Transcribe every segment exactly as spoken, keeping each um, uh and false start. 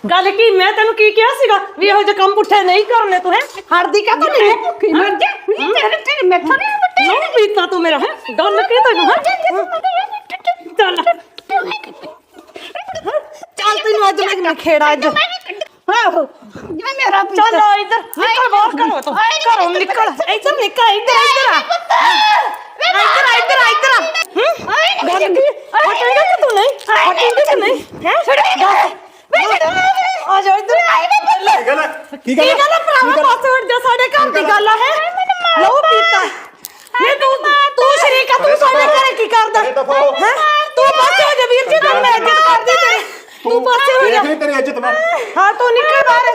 गल की मैं तेन की क्या सीगा भी ਇਹੋ ਜਿਹੇ ਕੰਮ ਪੁੱਠੇ नहीं करने तू है हड़दी का तो नहीं भुखी मर जा तेरे तेरे मैथों नहीं बटे नहीं पीता तू मेरा है गल की तैनू है चल चल तैनू अज मैं खेड़ा अज आहो जिवें मेरा चल इधर निकल बाहर करो तू घरों निकल इधर निकल इधर इधर इधर इधर इधर हम्म गल की हटेगा कि तू नहीं हटेगा कि नहीं है आ जा इधर ਕੀ ਗੱਲ ਹੈ ਕੀ ਗੱਲ ਹੈ ਭਰਾਵਾ ਪਾਸਵਰਡ ਜੋ ਸਾਡੇ ਘਰ ਦੀ ਗੱਲ ਹੈ ਲਹੂ ਪੀਤਾ ਨਹੀਂ ਤੂੰ ਤੂੰ ਸ਼ਰੀਕਾ ਤੂੰ ਸਾਡੇ ਘਰੇ ਕੀ ਕਰਦਾ ਹੈ ਤੂੰ ਪਾਸੇ ਹੋ ਜਾ ਵੀਰ ਜੀ ਤੈਨੂੰ ਮੈਂ ਇੱਜ਼ਤ ਕਰਦੀ ਤੇਰੀ ਤੂੰ ਪਾਸੇ ਹੋ ਜਾ ਦੇਖ ਤੇਰੀ ਇੱਜ਼ਤ ਮੈਂ ਹਾਂ ਤੂੰ ਨਿਕਲ ਬਾਹਰ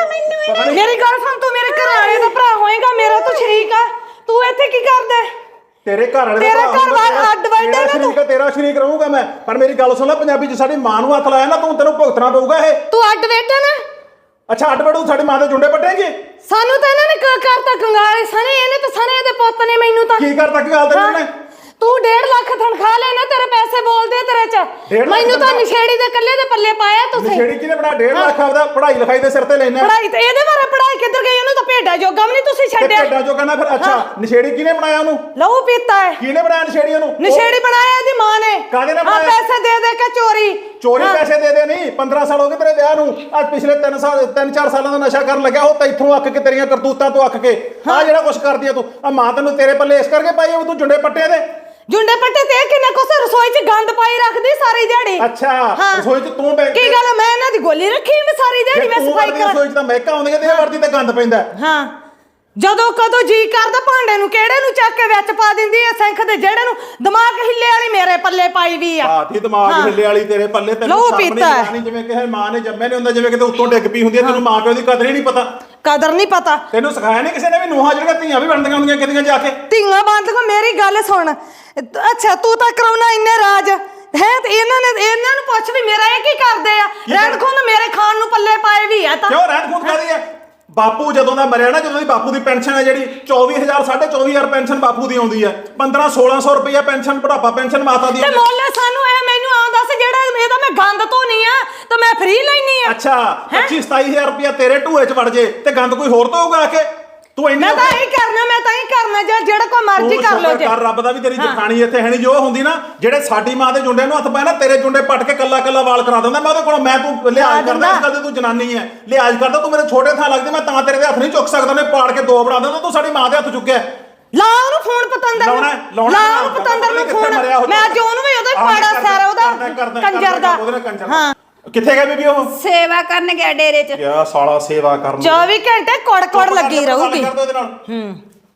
ਇੱਥੋਂ ਮੇਰੀ ਗੱਲ ਸੁਣ ਤੂੰ ਮੇਰੇ ਘਰ ਵਾਲੇ ਦਾ ਭਰਾ ਹੋਏਗਾ ਮੇਰਾ ਤੂੰ ਸ਼ਰੀਕ ਆ ਤੂੰ ਇੱਥੇ ਕੀ ਕਰਦਾ ਤੇਰੇ ਘਰ ਵਾਲੇ ਤੇਰੇ ਘਰ ਵਾਲਾ ਅੱਡ ਵੱਡਾ ਨਾ ਤੂੰ ਤੇਰਾ ਸ਼ਰੀਕ ਰਹੂੰਗਾ ਮੈਂ ਪਰ ਮੇਰੀ ਗੱਲ ਸੁਣ ਲੈ ਪੰਜਾਬੀ ਚ ਸਾਡੀ ਮਾਂ ਨੂੰ ਹੱਥ ਲਾਇਆ ਨਾ ਤੂੰ ਤੈਨੂੰ ਭੁਗਤਣਾ ਪਊਗਾ ਇਹ ਤੂੰ ਅੱਡ ਬੈਠਾ ਨਾ ਅੱਛਾ ਅੱਡ ਬੜੂ ਸਾਡੀ ਮਾਂ ਦੇ ਜੁੰਡੇ ਪੱਟੇਂਗੇ ਸਾਨੂੰ ਤਾਂ ਇਹਨਾਂ ਨੇ ਕਰਤਾ ਕੰਗਾਲੇ ਸਣੇ ਇਹਨੇ ਤਾਂ ਸਣੇ ਦੇ ਪੁੱਤ ਨੇ ਮੈਨੂੰ ਤਾਂ ਕੀ ਕਰਤਾ ਕੀ ਗੱਲ ਤੈਨੂੰ ਨੇ ਤੂੰ ਡੇਢ ਲੱਖ ਤਨਖਾਹ ਲੈਣਾ ਤੇਰੇ ਪੈਸੇ ਬੋਲਦੇ ਤੇਰੇ ਚ ਮੈਨੂੰ ਤਾਂ ਨਿਸ਼ੇੜੀ ਦੇ ਕੱਲੇ ਦੇ ਪੱਲੇ ਪਾਇਆ ਤੁਸੀਂ ਨਿਸ਼ੇੜੀ ਕਿਨੇ ਬਣਾ ਡੇਢ ਲੱਖ ਆਪਦਾ ਪੜ੍ਹਾਈ ਲਿਖਾਈ ਦੇ ਸਿਰ ਤੇ ਲੈਣਾ ਪੜ੍ਹਾਈ ਤੇ ਇਹਦੇ ਬਾਰੇ ਪੜ੍ਹਾਈ ਕਿੱਧਰ ਗਈ ਉਹਨੂੰ ਤਾਂ ਭੇਡਾ ਜੋਗਾ ਵੀ ਨਹੀਂ ਤੁਸੀਂ ਛੱਡਿਆ ਭੇਡਾ ਜੋਗਾ ਨਾ ਫਿਰ ਅੱਛਾ ਨਿਸ਼ੇੜੀ ਕਿਨੇ ਬਣਾਇਆ ਉਹਨੂੰ ਲਹੂ ਪੀਤਾ ਹੈ ਕਿਨੇ ਬਣਾਇਆ ਨਿਸ਼ੇੜੀ ਉਹਨੂੰ ਨਿਸ਼ੇੜੀ ਬਣਾਇਆ ਇਹਦੀ ਮਾਂ ਨੇ ਕਾਹਦੇ ਨਾਲ ਹਾਂ ਬਣਾਇਆ ਪੈਸੇ ਦੇ ਦੇ ਕੇ ਚੋਰੀ ਚੋਰੀ ਪੈਸੇ ਦੇ ਦੇ ਨਹੀਂ ਪੰਦਰਾਂ ਸਾਲ ਹੋ ਗਏ ਤੇਰੇ ਵਿਆਹ ਨੂੰ ਅੱਜ ਪਿਛਲੇ ਤਿੰਨ ਸਾਲ ਤਿੰਨ ਚਾਰ ਸਾਲਾਂ ਦਾ ਨਸ਼ਾ ਕਰਨ ਲੱਗਿਆ ਉਹ ਤੈਥੋਂ ਅੱਕ ਕੇ ਤੇਰੀਆਂ ਕਰਤੂਤਾਂ ਤੋਂ ਅੱਕ ਕੇ ਆ ਜਿਹੜਾ ਕੁਛ ਕਰਦੀ ਆ ਤੂੰ ਆ ਮਾਂ ਤੈਨੂੰ ਤੇਰੇ ਪੱਲੇ ਇਸ ਕਰਕੇ ਪਾਈ ਆ ਤੂੰ ਜੁੰਡੇ ਪੱਟੇ ਦੇ ਜੁੰਡੇ ਪੱਟੇ ਤੇ ਕਿੰਨਾ ਕੁਛ ਰਸੋਈ 'ਚ ਗੰਦ ਪਾਈ ਰੱਖਦੀ ਸਾਰੀ ਦਿਹਾੜੀ ਅੱਛਾ ਰਸੋਈ 'ਚ ਤੂੰ ਬੈਠ ਕੀ ਗੱਲ ਮੈਂ ਇਹਨਾਂ ਦੀ ਗੋਲੀ ਰੱਖੀ ਮੈਂ ਸਾਰੀ ਦਿਹਾੜੀ ਮੈਂ ਸਫਾਈ ਕਰ ਰਸੋਈ 'ਚ ਤਾਂ ਮਹਿਕਾ ਆਉਂਦੀਆਂ ਤੇ ਵਰਦੀ ਤੇ ਗੰਦ ਪੈਂਦਾ ਹਾਂ ਜਦੋਂ ਕਦੋਂ ਜੀ ਕਰਦਾ ਭਾਂਡੇ ਨੂੰ ਕਿਹੜੇ ਨੂੰ ਚੱਕ ਕੇ ਵਿੱਚ ਪਾ ਦਿੰਦੀ ਐ ਸਿੰਖ ਦੇ ਜਿਹੜੇ ਨੂੰ ਦਿਮਾਗ ਹਿੱਲੇ ਵਾਲੀ ਮੇਰੇ ਪੱਲੇ ਪਾਈ ਵੀ ਆ ਆਤੀ ਦਿਮਾਗ ਹਿੱਲੇ ਵਾਲੀ ਤੇਰੇ ਪੱਲੇ ਤੈਨੂੰ ਸਾਹਮਣੇ ਜਿਵੇਂ ਕਿਸੇ ਮਾਂ ਨੇ ਜੰਮੇ ਨਹੀਂ ਹੁੰਦਾ ਜਿਵੇਂ ਕਿਤੇ ਉੱਤੋਂ ਡਿੱਗ ਪਈ ਹੁੰਦੀ ਐ ਤੈਨੂੰ ਮਾਂ ਪਿਓ ਦੀ ਕਦਰ ਹੀ ਨਹੀਂ ਪਤਾ ਕਦਰ ਨਹੀਂ ਪਤਾ ਤੈਨੂੰ ਸਿਖਾਇਆ ਨਹੀਂ ਕਿਸੇ ਨੇ ਵੀ ਨੂੰਹਾਂ ਜਿਹੜੀਆਂ ਧੀਆਂ ਵੀ ਬਣਦੀਆਂ ਹੁੰਦੀਆਂ ਕਿਤੇ ਜਾ ਕੇ ਧੀਆਂ ਬੰਦ ਮੇਰੀ ਗੱਲ ਸੁਣ ਅੱਛਾ ਤੂੰ ਤਾਂ ਕਰਾਉਣਾ ਇੰਨੇ ਰਾਜ ਹੈ ਤੇ ਇਹਨਾਂ ਨੇ ਇਹਨਾਂ ਨੂੰ ਪੁੱਛ ਵੀ ਮੇਰਾ ਇਹ ਕੀ ਕਰਦੇ ਆ ਰਹਿਣ ਖੁੰਦ ਮੇਰੇ ਖਾਣ ਨੂੰ ਪੱਲੇ ਪਾਏ ਵੀ ਆ ਤਾਂ ਕਿਉਂ ਰਹਿਣ ਖੁੰਦ ਕਾਦੀ ਆ ਬਾਪੂ ਜਦੋਂ ਦਾ ਮਰਿਆ ਨਾ ਜਦੋਂ ਦੀ ਬਾਪੂ ਦੀ ਪੈਨਸ਼ਨ ਹੈ ਜਿਹੜੀ ਚੌਵੀ ਹਜ਼ਾਰ ਸਾਢੇ ਚੌਵੀ ਹਜ਼ਾਰ ਪੈਨਸ਼ਨ ਬਾਪੂ ਦੀ ਆਉਂਦੀ ਹੈ ਪੰਦਰਾਂ ਸੋਲਾਂ ਸੌ ਰੁਪਇਆ ਪੈਨਸ਼ਨ ਬੁਢਾਪਾ ਪੈਨਸ਼ਨ ਮਾਤਾ ਦੀ ਤੇ ਮੋਲੇ ਸਾਨੂੰ ਇਹ ਮੈਨੂੰ ਆਉਂਦਾ ਸੀ ਜਿਹੜਾ ਇਹਦਾ ਮੈਂ ਗੰਦ ਧੋਣੀ ਆ ਤਾਂ ਮੈਂ ਫ੍ਰੀ ਲੈਣੀ ਆ ਅੱਛਾ ਪੱਚੀ ਸਤਾਈ ਹਜ਼ਾਰ ਰੁਪਇਆ ਤੇਰੇ ਢੂਏ 'ਚ ਵੜ ਜੇ ਤੇ ਗੰਦ ਕੋਈ ਹੋਰ ਧੋਊਗਾ ਆ ਕੇ ਤੂੰ ਇੰਨਾ ਮੈਂ ਤਾਂ ਹੀ ਕਰਨਾ ਮੈਂ ਤਾਂ ਹੀ ਕਰਨਾ ਜਾਂ ਜਿਹੜਾ ਕੋਈ ਮਰਜ਼ੀ ਕਰ ਲੋ ਜੇ ਕਰ ਰੱਬ ਦਾ ਵੀ ਤੇਰੀ ਜਖਾਣੀ ਇੱਥੇ ਹੈ ਨਹੀਂ ਜੋ ਹੁੰਦੀ ਨਾ ਜਿਹੜੇ ਸਾਡੀ ਮਾਂ ਦੇ ਜੁੰਡੇ ਨੂੰ ਹੱਥ ਪਾਇਆ ਨਾ ਤੇਰੇ ਜੁੰਡੇ ਪੱਟ ਕੇ ਕੱਲਾ ਕੱਲਾ ਵਾਲ ਕਰਾ ਦਿੰਦਾ ਮੈਂ ਉਹਦੇ ਕੋਲ ਮੈਂ ਤੂੰ ਲਿਹਾਜ਼ ਕਰਦਾ ਇਸ ਗੱਲ ਤੇ ਤੂੰ ਜਨਾਨੀ ਹੈ ਲਿਹਾਜ਼ ਕਰਦਾ ਤੂੰ ਮੇਰੇ ਛੋਟੇ ਥਾਂ ਲੱਗਦੀ ਮੈਂ ਤਾਂ ਤੇਰੇ ਦੇ ਹੱਥ ਨਹੀਂ ਚੁੱਕ ਸਕਦਾ ਉਹਨੇ ਪਾੜ ਕੇ ਦੋ ਬਣਾ ਦਿੰਦਾ ਤੂੰ ਸਾਡੀ ਮਾਂ ਦੇ ਹੱਥ ਚੁੱਕਿਆ ਲਾ ਉਹਨੂੰ ਫੋਨ ਪਤੰਦਰ ਲਾਉਣਾ ਲਾ ਉਹਨੂੰ ਪਤੰਦਰ ਨੂੰ ਫੋਨ ਮੈਂ ਅੱਜ ਉਹਨੂੰ ਵੀ ਉਹਦਾ ਪਾੜਾ ਸਾਰਾ ਉਹਦਾ ਕੰਜਰ ਦਾ ਹਾਂ ਕਿੱਥੇ ਗਿਆ ਬੀਬੀ ਉਹ ਸੇਵਾ ਕਰਨ ਗਿਆ ਡੇਰੇ 'ਚ ਯਾ ਸਾਲਾ ਸੇਵਾ ਕਰਨ ਚੌਵੀ ਘੰਟੇ ਕੋੜ ਕੋੜ ਲੱਗੀ ਰਹੂਗੀ ਹੂੰ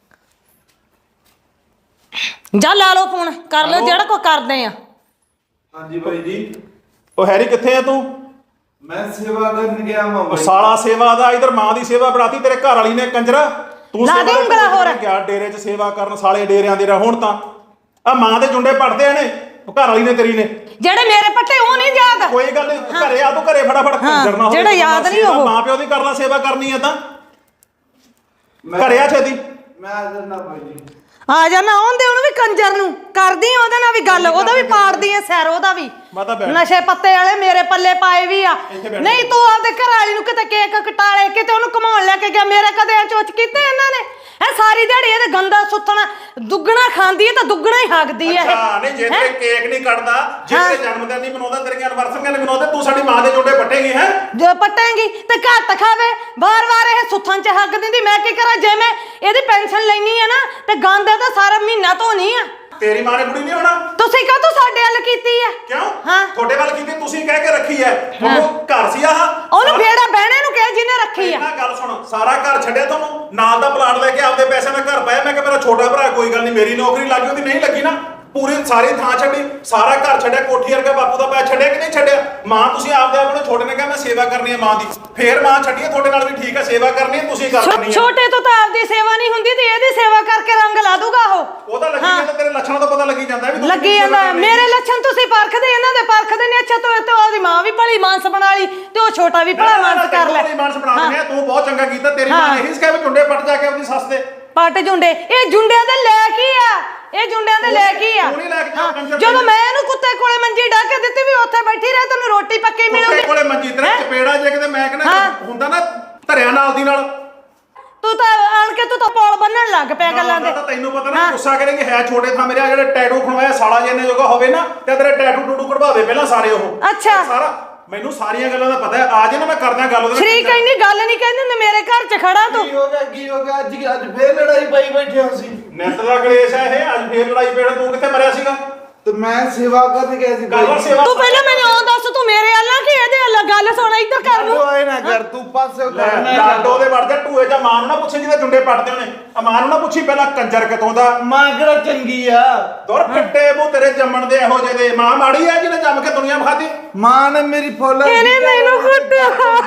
ਜਾ ਲਾ ਲਓ ਫੋਨ ਕਰ ਲਓ ਜਿਹੜਾ ਕੋ ਕਰਦੇ ਆ ਹਾਂਜੀ ਭਾਈ ਜੀ ਉਹ ਹੈਰੀ ਕਿੱਥੇ ਆ ਤੂੰ ਮੈਂ ਸੇਵਾ ਕਰਨ ਗਿਆ ਹਾਂ ਉਹ ਸਾਲਾ ਸੇਵਾ ਦਾ ਇਧਰ ਮਾਂ ਦੀ ਸੇਵਾ ਬਣਾਤੀ ਤੇਰੇ ਘਰ ਵਾਲੀ ਨੇ ਕੰਜਰਾ ਤੂੰ ਲਾ ਦੇ ਉਂਗਲਾ ਹੋਰ ਗਿਆ ਡੇਰੇ 'ਚ ਸੇਵਾ ਕਰਨ ਸਾਲੇ ਡੇਰਿਆਂ ਦੇ ਹੁਣ ਤਾਂ ਆ ਮਾਂ ਦੇ ਜੁੰਡੇ ਪੜਦੇ ਨੇ ਘਰ ਵਾਲੀ ਨੇ ਤੇਰੀ ਨੇ ਜਿਹੜੇ ਮੇਰੇ ਪੱਟੇ ਉਹ ਨਹੀਂ ਯਾਦ ਕੋਈ ਗੱਲ ਨਹੀਂ ਘਰੇ ਆ ਤੂੰ ਘਰੇ ਫਟਾਫਟ ਕੰਜਰ ਨਾ ਹੋ ਜਿਹੜਾ ਯਾਦ ਨਹੀਂ ਉਹ ਮਾਂ ਪਿਓ ਦੀ ਕਰ ਲੈ ਸੇਵਾ ਕਰਨੀ ਹੈ ਤਾਂ ਘਰੇ ਆ ਛੇਤੀ ਮੈਂ ਆ ਜਾਣਾ ਭਾਈ ਜੀ ਆ ਜਾ ਨਾ ਆਉਂਦੇ ਉਹਨੂੰ ਵੀ ਕੰਜਰ ਨੂੰ ਕਰਦੀ ਉਹਦੇ ਨਾਲ ਵੀ ਗੱਲ ਉਹਦਾ ਵੀ ਪਾੜਦੀ ਐ ਸੈਰ ਉਹਦਾ ਵੀ ਨਸ਼ੇ ਪੱਤੇ ਵਾਲੇ ਮੇਰੇ ਪੱਲੇ ਪਾਏ ਵੀ ਆ ਨਹੀਂ ਤੂੰ ਆਪਦੇ ਘਰ ਵਾਲੀ ਨੂੰ ਕਿਤੇ ਕੇਕ ਕਟਾਲੇ ਕਿਤੇ ਉਹਨੂੰ ਘਮਾਉਣ ਲੈ ਕੇ ਗਿਆ ਮੇਰੇ ਕਦੇ ਚੋਚ ਕੀਤੇ ਇਹਨਾਂ ਨੇ ਇਹ ਸਾਰੀ ਦਿਹਾੜੀ ਇਹਦੇ ਗੰਦਾ ਸੁੱਤਣਾ ਦੁੱਗਣਾ ਖਾਂਦੀ ਐ ਤਾਂ ਦੁੱਗਣਾ ਹੀ ਹੱਗਦੀ ਐ ਅੱਛਾ ਨਹੀਂ ਜੇ ਤੇ ਕੇਕ ਨਹੀਂ ਕੱਟਦਾ ਜੇ ਤੇ ਜਨਮ ਦਿਨ ਨਹੀਂ ਮਨਾਉਂਦਾ ਤੇਰੀਆਂ ਐਨਵਰਸਰੀਆਂ ਨਹੀਂ ਮਨਾਉਂਦੇ ਤੂੰ ਸਾਡੀ ਮਾਂ ਦੇ ਜੋੜੇ ਪੱਟੇਗੀ ਹੈ ਜੋ ਪੱਟੇਗੀ ਤੇ ਘੱਟ ਖਾਵੇ ਵਾਰ-ਵਾਰ ਇਹ ਸੁੱਥਾਂ 'ਚ ਹੱਗ ਦਿੰਦੀ ਮੈਂ ਕੀ ਕਰਾਂ ਜੇ ਮੈਂ ਇਹਦੀ ਪੈਨਸ਼ਨ ਲੈਣੀ ਆ ਨਾ ਤੇ ਗੰਦ ਤਾਂ ਸਾਰਾ ਮਹੀਨਾ ਧੋਣੀ ਆ ਤੇਰੀ ਮਾਂ ਨੇ ਬੁੜੀ ਨਹੀਂ ਹੋਣਾ ਤੁਸੀਂ ਕਾ ਤੂੰ ਸਾਡੇ ਵੱਲ ਕੀਤੀ ਆ ਕਿਉਂ ਹਾਂ ਤੁਹਾਡੇ ਵੱਲ ਕੀਤੀ ਤੁਸੀਂ ਕਹਿ ਕੇ ਰੱਖੀ ਐ ਤੁਹਾਨੂੰ ਘਰ ਸੀ ਆਹ ਉਹਨੂੰ ਫੇੜਾ ਬਹਿਣੇ ਨੂੰ ਕਹਿ ਜਿਹਨੇ ਰੱਖੀ ਆ ਇਹਨਾਂ ਗੱਲ ਸੁਣ ਸਾਰਾ ਘਰ ਛੱਡਿਆ ਤੁਹਾਨੂੰ ਨਾਲ ਦਾ ਪਲਾਟ ਲੈ ਕੇ ਆਪਦੇ ਪੈਸੇ ਨਾਲ ਘਰ ਪਾਇਆ ਮੈਂ ਕਿ ਮੇਰਾ ਛੋਟਾ ਭਰਾ ਕੋਈ ਗੱਲ ਨਹੀਂ ਮੇਰੀ ਨੌਕਰੀ ਲੱਗੀ ਉਹਦੀ ਨਹੀਂ ਲੱਗੀ ਨਾ ਪੂਰੀ ਸਾਰੀ ਥਾਂ ਛੱਡੀ ਸਾਰਾ ਘਰ ਛੱਡਿਆ ਕੋਠੀ ਵਰਗਾ ਬਾਪੂ ਦਾ ਪੈਸਾ ਛੱਡਿਆ ਕਿ ਨਹੀਂ ਛੱਡਿਆ ਮਾਂ ਤੁਸੀਂ ਆਪਦੇ ਆਪਣੇ ਛੋਟੇ ਨੇ ਕਿਹਾ ਮੈਂ ਸੇਵਾ ਕਰਨੀ ਹੈ ਮਾਂ ਦੀ ਫੇਰ ਮਾਂ ਛੱਡੀਏ ਤੁਹਾਡੇ ਨਾਲ ਵੀ ਠੀਕ ਹੈ ਸੇਵਾ ਕਰਨੀ ਹੈ ਤੁਸੀਂ ਕਰਨੀ ਹੈ ਛੋਟੇ ਤੋਂ ਤਾਂ ਆਪਦੀ ਸੇਵਾ ਨਹੀਂ ਹੁੰਦੀ ਤੇ ਇਹਦੀ ਸੇਵਾ ਕਰਕੇ ਰੰਗ ਲਾ ਦੂਗਾ ਉਹ ਉਹ ਤਾਂ ਲੱਗੀ ਜਾਂਦਾ ਤੇਰੇ ਲੱਛਣਾਂ ਤੋਂ ਪਤਾ ਲੱਗੀ ਜਾਂਦਾ ਵੀ ਲੱਗੀ ਜਾਂਦਾ ਮੇਰੇ ਲੱਛਣ ਤੁਸੀਂ ਪਰਖਦੇ ਇਹਨਾਂ ਦੇ ਪਰਖਦੇ ਨੇ ਅੱਛਾ ਤੂੰ ਤੇ ਉਹਦੀ ਮਾਂ ਵੀ ਭਲੀ ਮਾਨਸ ਬਣਾ ਲਈ ਤੇ ਉਹ ਛੋਟਾ ਵੀ ਭਲਾ ਮਾਨਸ ਕਰ ਲੈ ਮਾਨਸ ਬਣਾ ਦਿੰਦੇ ਤੂੰ ਬਹੁਤ ਚੰਗਾ ਕੀਤਾ ਤੇਰੀ ਮਾਂ ਨੇ ਇਹੀ ਸਿਖਾਇਆ ਵੀ ਝੁੰਡੇ ਪੱਟ ਜਾ ਕੇ ਆਪਣੀ ਸੱਸ ਦੇ ਪੱਟ ਜੁੰਡੇ ਇਹ ਜੁੰਡਿਆਂ ਦੇ ਲੈ ਕੀ ਆ ਇਹ ਜੁੰਡਿਆਂ ਦੇ ਲੈ ਕੀ ਆ ਤੂੰ ਨਹੀਂ ਲੈ ਕੇ ਜਾ ਕੰਜਰ ਜਦੋਂ ਮੈਂ ਇਹਨੂੰ ਕੁੱਤੇ ਕੋਲੇ ਮੰਜੀ ਢਾ ਕੇ ਦਿੱਤੀ ਵੀ ਉੱਥੇ ਬੈਠੀ ਰਹਿ ਤੈਨੂੰ ਰੋਟੀ ਪੱਕੀ ਕੁੱਤੇ ਮਿਲੂਗੀ ਕੋਲੇ ਮੰਜੀ ਤੇਰੇ ਚਪੇੜਾ ਜੇ ਕਿਤੇ ਮੈਂ ਕਹਿੰਦਾ ਹੁੰਦਾ ਨਾ ਧਰਿਆ ਨਾਲ ਦੀ ਨਾਲ ਤੂੰ ਤਾਂ ਆਣ ਕੇ ਤੂੰ ਤਾਂ ਪੌਲ ਬੰਨਣ ਲੱਗ ਪਿਆ ਗੱਲਾਂ ਦੇ ਤਾਂ ਤੈਨੂੰ ਪਤਾ ਨਾ ਗੁੱਸਾ ਕਰੇਂਗੇ ਹੈ ਛੋਟੇ ਥਾਂ ਮੇਰੇ ਆ ਜਿਹੜੇ ਟੈਟੂ ਖਣਵਾਇਆ ਸਾਲਾ ਜਿੰਨੇ ਜੋਗਾ ਹੋਵੇ ਨਾ ਤੇ ਤੇਰੇ ਟੈਟੂ ਟੂਟੂ ਕਢਵਾਵੇ ਪਹਿਲਾਂ ਸਾਰੇ ਉਹ ਅੱਛਾ ਸਾਰਾ ਮੈਨੂੰ ਸਾਰੀਆਂ ਗੱਲਾਂ ਦਾ ਪਤਾ ਹੈ ਆ ਜੇ ਨਾ ਮੈਂ ਕਰਦਾ ਗੱਲ ਉਹਦੇ ਨਾਲ ਸ਼ਰੀਕ ਇੰਨੀ ਗੱਲ ਨਹੀਂ ਕਹਿੰਦੀ ਹੁੰਦੀ ਮੇਰੇ ਘਰ 'ਚ ਖੜਾ ਤੂੰ ਕੀ ਹੋ ਗਿਆ ਕੀ ਹੋ ਗਿਆ ਅੱਜ ਅੱਜ ਫੇਰ ਲੜਾਈ ਪਾਈ ਬੈਠੇ ਹੋ ਸੀ ਨਿੱਤ ਦਾ ਕਲੇਸ਼ ਹੈ ਇਹ ਅੱਜ ਫੇਰ ਲੜਾਈ ਪੇੜ ਤੂੰ ਕਿੱਥੇ ਮਰਿਆ ਸੀਗਾ ਤੇ ਮੈਂ ਸੇਵਾ ਕਰਨ ਗਿਆ ਸੀ ਗੱਲ ਸੇਵਾ ਤੂੰ ਪਹਿਲਾਂ ਮੈਨੂੰ ਉਹ ਦੱਸ ਤੂੰ ਮੇਰੇ ਅੱਲਾ ਕਿ ਇਹਦੇ ਅੱਲਾ ਗੱਲ ਸੁਣ ਇੱਧਰ ਕਰ ਨੂੰ ਆਏ ਨਾ ਕਰ ਤੂੰ ਪਾਸੇ ਕਰਨਾ ਲਾਡੋ ਦੇ ਵੜ ਜਾ ਟੂਏ ਜਾਂ ਮਾਂ ਨੂੰ ਨਾ ਪੁੱਛੇ ਜਿਹਦੇ ਜੁੰਡੇ ਪੱਟਦੇ ਉਹਨੇ ਆ ਮਾਂ ਨੂੰ ਨਾ ਪੁੱਛੀ ਪਹਿਲਾਂ ਕੰਜਰ ਕਿਤੋਂ ਦਾ ਮਾਂ ਕਿਹੜਾ ਚੰਗੀ ਆ ਦੁਰ ਕੱਟੇ ਮੂੰਹ ਤੇਰੇ ਜੰਮਣ ਦੇ ਇਹੋ ਜਿਹੇ ਦੇ ਮਾਂ ਮਾੜੀ ਆ ਜਿਹਨੇ ਜੰਮ ਕੇ ਦੁਨੀਆ ਵਿਖਾਤੀ ਮਾਂ ਨੇ ਮੇਰੀ ਫੁੱਲ ਇਹਨੇ ਮੈਨੂੰ ਕੁੱਟਿਆ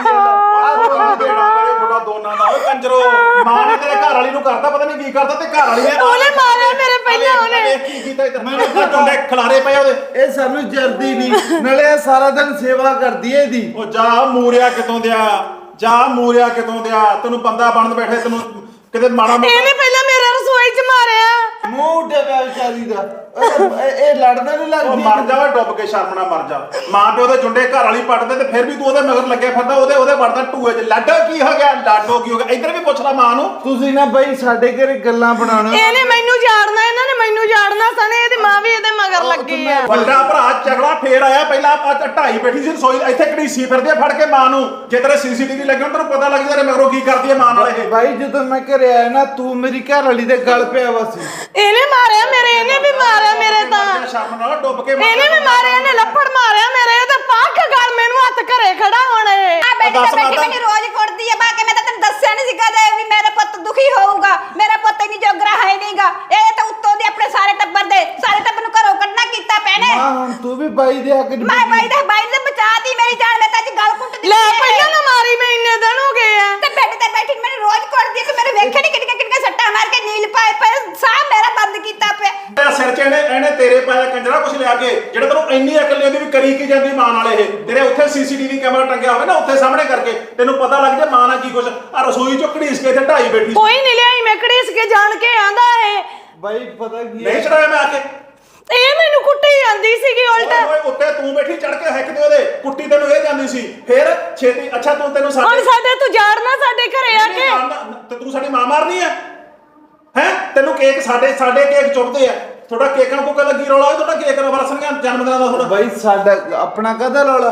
ਤੁਹਾਡਾ ਦੋਨਾਂ ਦਾ ਉਹ ਕੰਜਰੋ ਮਾਂ ਨੇ ਤੇਰੇ ਘਰ ਵਾਲੀ ਨੂੰ ਕਰਤਾ ਪਤਾ ਨਹੀਂ ਕੀ ਕਰਤਾ ਤੇ ਘਰ ਵਾਲੀ ਨੇ ਉਹਨੇ ਮਾਰਿਆ ਮੇਰੇ ਪਹਿਲਾਂ ਉਹਨੇ ਵੇਖ ਕੀ ਕੀਤਾ ਇਧਰ ਮੈਨੂੰ ਜੁੰਡੇ ਖਿਲਾਰੇ ਪਏ ਉਹਦੇ ਇਹ ਸਾਨੂੰ ਜਰਦੀ ਨਹੀਂ ਨਾਲੇ ਇਹ ਸਾਰਾ ਦਿਨ ਸੇਵਾ ਕਰਦੀ ਏ ਇਹਦੀ ਉਹ ਜਾ ਮੂਰਿਆ ਕਿਤੋਂ ਦਿਆ ਜਾ ਮੂਰਿਆ ਕਿਤੋਂ ਦਿਆ ਤੈਨੂੰ ਬੰਦਾ ਬਣਨ ਬੈਠੇ ਤੈਨੂੰ ਕਿਤੇ ਮਾੜਾ ਮੋਟਾ ਇਹਨੇ ਪਹਿਲਾਂ ਮੇਰੇ ਰਸੋਈ 'ਚ ਮਾਰਿਆ ਮੂੰਹ ਉੱਡੇ ਪਿਆ ਵਿਚਾਰੀ ਦਾ ਇਹ- ਇਹ ਇਹ ਲੜਦਾ ਨਹੀਂ ਉਹ ਲੱਗਦੀ ਮਰ ਜਾ ਓਏ ਡੁੱਬ ਕੇ ਸ਼ਰਮ ਨਾਲ ਮਰ ਜਾ ਮਾਂ ਪਿਓ ਦੇ ਜੁੰਡੇ ਘਰ ਵਾਲੀ ਪੱਟਦੇ ਤੇ ਫਿਰ ਵੀ ਤੂੰ ਉਹਦੇ ਮਗਰ ਲੱਗਿਆ ਫਿਰਦਾ ਉਹਦੇ ਉਹਦੇ ਵੜਦਾ ਟੂਏ 'ਚ ਲਾਡੋ ਕੀ ਹੋ ਗਿਆ ਲਾਡੋ ਕੀ ਹੋ ਗਿਆ ਇੱਧਰ ਵੀ ਪੁੱਛ ਲੈ ਮਾਂ ਨੂੰ ਤੁਸੀਂ ਨਾ ਬਈ ਸਾਡੇ ਘਰੇ ਗੱਲਾਂ ਬਣਾਉਣਾ ਇਹਨੇ ਮੈਨੂੰ ਜਾੜਨਾ ਇਹਨਾਂ ਨੇ ਮੈਨੂੰ ਜਾੜਨਾ ਸਣੇ ਇਹਦੀ ਮਾਂ ਵੀ ਇਹਦੇ ਮਗਰ ਲੱਗੀ ਆ ਵੱਡਾ ਭਰਾ ਝਗੜਾ ਫੇਰ ਆਇਆ ਪਹਿਲਾਂ ਆ ਢਾਈ ਬੈਠੀ ਸੀ ਰਸੋਈ ਇੱਥੇ ਘੜੀਸੀ ਫਿਰਦੀ ਆ ਫੜ ਕੇ ਮਾਂ ਨੂੰ ਜੇ ਤੇਰੇ ਸੀਸੀਟੀਵੀ ਲੱਗੇ ਹੋਣ ਤੈਨੂੰ ਪਤਾ ਲੱਗ ਜਾਏ ਮਗਰੋਂ ਕੀ ਕਰਦੀ ਹੈ ਮਾਂ ਨਾਲ ਇਹ ਭਾਈ ਜਦੋਂ ਮੈਂ ਘਰੇ ਆਇਆ ਨਾ ਤੂੰ ਮੇਰੀ ਘਰ ਵਾਲੀ ਦੇ ਗਲ ਪਿਆ ਵਾ ਸੀ ਇਹਨੇ ਮਾਰਿਆ ਮੇਰੇ ਇਹਨੇ ਵੀ ਮਾਰਿਆ ਮੇਰੇ ਤਾਂ ਸ਼ਰਮ ਨਾਲ ਡੁੱਬ ਕੇ ਇਹਨੇ ਵੀ ਮਾਰਿਆ ਇਹਨੇ ਲੱਫੜ ਮਾਰਿਆ ਮੇਰੇ ਤੇ ਪੱਕ ਗੱਲ ਮੈਨੂੰ ਹੱਥ ਘਰੇ ਖੜਾ ਹੁਣ ਇਹ ਆ ਬੈਠੀ ਤਾਂ ਬੈਠੀ ਮੈਨੂੰ ਰੋਜ਼ ਕੁੱਟਦੀ ਹੈ ਬਾਕੀ ਮੈਂ ਤਾਂ ਤੈਨੂੰ ਦੱਸਿਆ ਨਹੀਂ ਸੀ ਕਦੇ ਵੀ ਮੇਰਾ ਪੁੱਤ ਦੁਖੀ ਹੋਊਗਾ ਮੇਰਾ ਪੁੱਤ ਇੰਨੀ ਜੋਗਰਾ ਹੈ ਨਹੀਂਗਾ ਇਹ ਤਾਂ ਉੱਤੋਂ ਦੀ ਆਪਣੇ ਸਾਰੇ ਟੱਬਰ ਦੇ ਸਾਰੇ ਟੱਬਰ ਨੂੰ ਘਰੋਂ ਕੱਢਣਾ ਕੀਤਾ ਪੈਣੇ ਹਾਂ ਹੁਣ ਤੂੰ ਵੀ ਬਾਈ ਦੇ ਹੱਕ ਚ ਮੈਂ ਬਾਈ ਦਾ ਬਾਈ ਨੇ ਬਚਾਤੀ ਮੇਰੀ ਜਾਨ ਮੈਂ ਤਾਂ ਅੱਜ ਗੱਲ ਕੁੱਟ ਦਿੱਤੀ ਲੈ ਪਹਿਲਾਂ ਨਾ ਮਾਰੀ ਮੈਂ ਇੰਨੇ ਦਿਨ ਹੋ ਗਏ ਆ ਤੇ ਬੈੱਡ ਤੇ ਬੈਠੀ ਮੈਨੂੰ ਰੋਜ਼ ਕੁੱਟਦੀ ਹੈ ਤੇ ਮੇਰੇ ਵੇਖੇ ਨਹੀਂ ਕਿੰਨੇ ਕਿੰਨੇ ਸੱਟਾਂ ਮਾਰ ਕੇ ਨੀਲ ਪਾਏ ਪਏ ਸਾਹ ਮੇਰਾ ਬੰਦ ਕੀਤਾ ਪਿਆ ਤੇਰਾ ਸਿਰ 'ਚ ਇਹਨੇ ਇਹਨੇ ਤੇਰੇ ਪਾਇਆ ਕੰਜਰਾ ਕੁਛ ਲਿਆ ਕੇ ਜਿਹੜਾ ਤੈਨੂੰ ਇੰਨੀ ਅਕਲ ਨਹੀਂ ਉਹਦੀ ਵੀ ਕਰੀ ਕੀ ਜਾਂਦੀ ਮਾਂ ਨਾਲ ਇਹ ਤੇਰੇ ਉੱਥੇ ਸੀਸੀਟੀਵੀ ਕੈਮਰਾ ਟੰਗਿਆ ਹੋਵੇ ਨਾ ਉੱਥੇ ਸਾਹਮਣੇ ਕਰਕੇ ਤੈਨੂੰ ਪਤਾ ਲੱਗ ਜਾ ਮਾਂ ਨਾਲ ਕੀ ਕੁਛ ਆ ਰਸੋਈ 'ਚੋਂ ਘੜੀਸ ਕੇ ਇੱਥੇ ਢਾਈ ਬੈਠੀ ਕੋਈ ਨਹੀਂ ਲਿਆਈ ਮੈਂ ਘੜੀਸ ਕੇ ਜਾਣ ਕੇ ਆਂਦਾ ਇਹ ਬਾਈ ਪਤਾ ਕੀ ਨਹੀਂ ਚੜਾਇਆ ਮੈਂ ਆ ਕੇ ਇਹ ਮੈਨੂੰ ਕੁੱਟੀ ਜਾਂਦੀ ਸੀਗੀ ਉਲਟਾ ਓਏ ਉੱਤੇ ਤੂੰ ਬੈਠੀ ਚੜ ਕੇ ਹੈਕਦੇ ਉਹਦੇ ਕੁੱਟੀ ਤੈਨੂੰ ਇਹ ਜਾਂਦੀ ਸੀ ਫਿਰ ਛੇਤੀ ਅੱਛਾ ਤੂੰ ਤੈਨੂੰ ਹੁਣ ਸਾਡੇ ਸਾਡੇ ਤੂੰ ਜਾੜਨਾ ਸਾਡੇ ਘਰੇ ਆ ਕੇ ਤੇ ਤੂੰ ਸਾਡੀ ਮਾਂ ਮਾਰਨੀ ਹੈ ਹੈ ਤੈਨੂੰ ਕੇਕ ਸਾਡੇ ਸਾਡੇ ਕੇਕ ਚੁੱਪਦੇ ਆ ਥੋੜਾ ਕੇਕਾਂ ਕੋਕਾ ਲੱਗੀ ਰੌਲਾ ਹੋਇਆ ਤੁਹਾਡਾ ਕੇਕ ਨਾਲ ਵਰਸਣਗੇ ਜਨਮ ਦਿਨਾਂ ਦਾ ਥੋੜਾ ਬਾਈ ਸਾਡਾ ਆਪਣਾ ਕਦਾ ਰੌਲਾ